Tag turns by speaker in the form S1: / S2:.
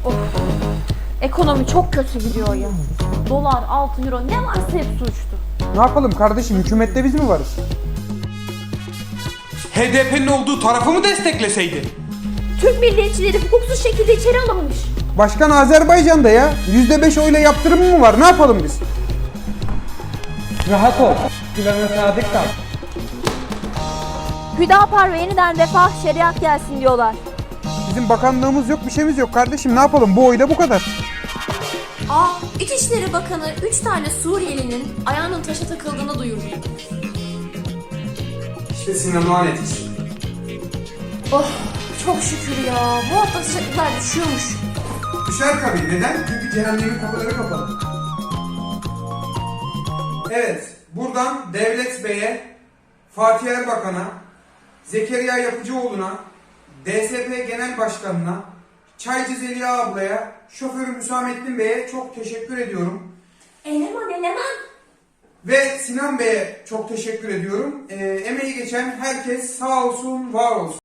S1: Of. Ekonomi çok kötü gidiyor ya. Dolar, altın, euro ne varsa hepsi uçtu.
S2: Ne yapalım kardeşim, hükümette biz mi varız?
S3: HDP'nin olduğu tarafı mı destekleseydi?
S1: Türk milliyetçileri hukuksuz şekilde içeri alınmış.
S2: Başkan Azerbaycan'da ya. %5 oyla yaptırımı mı var? Ne yapalım biz?
S4: Rahat ol. Plana sadık kal.
S1: Hüdapar ve yeniden refah şeriat gelsin diyorlar.
S2: Bizim bakanlığımız yok, bir şeyimiz yok kardeşim. Ne yapalım? Bu oyla bu kadar.
S5: İçişleri Bakanı 3 tane Suriyelinin ayağının taşa takıldığını duyurdu.
S3: İşte Sinan Oğan etkisi.
S5: Oh, çok şükür ya. Bu hafta sıcaklıklar düşüyormuş.
S2: Düşer tabii. Neden? Çünkü cehennemin kapıları kapalı. Evet, buradan Devlet Bey'e, Fatih Erbakan'a, Zekeriya Yapıcıoğlu'na, DSP Genel Başkanı'na, Çaycı Zeliha ablaya, şoförüm Hüsamettin Bey'e çok teşekkür ediyorum.
S5: Eleman.
S2: Ve Sinan Bey'e çok teşekkür ediyorum. Emeği geçen herkes sağ olsun, var olsun.